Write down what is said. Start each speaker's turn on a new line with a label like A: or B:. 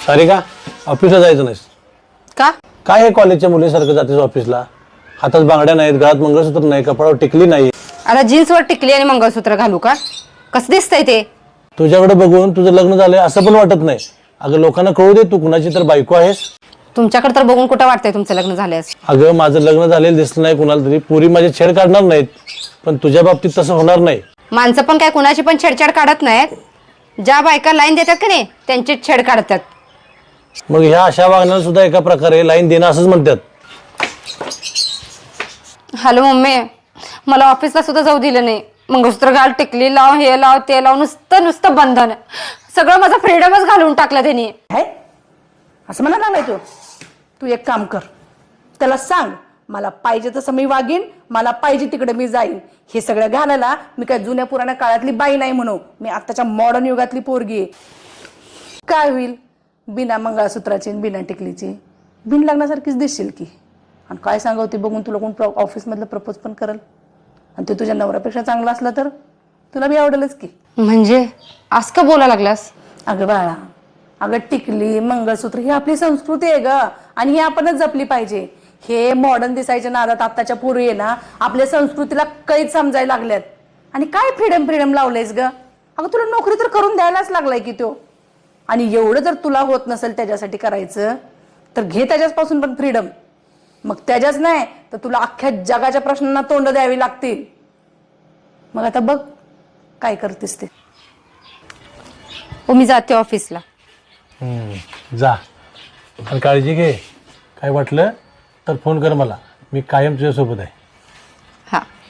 A: सारिका ऑफिसला जायचं नाहीस
B: का?
A: काय हे कॉलेजच्या मुलीसारखं जातेस ऑफिसला? हातात बांगड्या नाहीत, गळ्यात मंगळसूत्र नाही, कपाळावर टिकली नाही.
B: आता जीन्सवर टिकली आणि मंगळसूत्र घालू का? कसं दिसतंय ते?
A: तुझ्याकडे बघून तुझं लग्न झालंय असं पण वाटत नाही. अगं लोकांना कळू दे तू कुणाची तर बायको आहेस.
B: तुमच्याकडे तर बघून कुठं वाटतंय तुमचं लग्न झालंय असं?
A: अगं माझं लग्न झालेलं दिसलं नाही कुणाला तरी, पुरी माझे छेड काढणार नाहीत, पण तुझ्या बाबतीत तसं होणार नाही.
B: माणसं पण काय कुणाची पण छेडछाड काढत नाहीत. ज्या बायका लाईन देतात की नाही त्यांची छेड काढतात.
A: मग ह्या अशा वागण्याला सुद्धा एका प्रकारे लाईन देणं असंच म्हणतात.
B: हॅलो मम्मी, मला ऑफिसला सुद्धा जाऊ दिलं नाही. मंगळसूत्र घाल, टिकली लाव, हे लाव, ते लाव, नुसतं नुसतं बंधन. सगळं माझा फ्रीडमच घालून टाकलं त्यांनी.
C: आहे असं म्हणा लागलाय तू एक काम कर, त्याला सांग मला पाहिजे तसं मी वागीन, मला पाहिजे तिकडे मी जाईन. हे सगळं घालायला मी काय जुन्या पुराण्या काळातली बाई नाही म्हणू, मी आत्ताच्या मॉडर्न युगातली पोरगी आहे. काय होईल बिना मंगळसूत्राची बिना टिकलीची बिन लग्नासारखीच दिसशील की. आणि काय सांगावं ते बघून तुला कोण ऑफिसमधलं प्रपोज पण करल, आणि ते तुझ्या नवऱ्यापेक्षा चांगला असला तर तुला बी आवडेलच की.
B: म्हणजे असं का बोलायला लागलास?
C: अगं बाळा, अगं टिकली मंगळसूत्र ही आपली संस्कृती आहे ग, आणि ही आपणच जपली पाहिजे. हे मॉडर्न दिसायच्या नादात आत्ताच्या पोरी आहे ना आपल्या संस्कृतीला कैद समजायला लागल्यात. आणि काय फ्रीडम लावलंयस ग? अगं तुला नोकरी तर करून द्यायलाच लागलाय की तो. आणि एवढं जर तुला होत नसेल त्याच्यासाठी करायचं तर घे त्याच्यापासून पण फ्रीडम. मग त्याच्याच नाही तर तुला अख्ख्या जगाच्या प्रश्नांना तोंड द्यावी लागतील. मग आता बघ काय करतेस ते.
B: हो, मी जाते ऑफिसला.
A: जा आणि काळजी घे. काय वाटलं तर फोन कर मला, मी कायम तुझ्यासोबत आहे.
B: हा.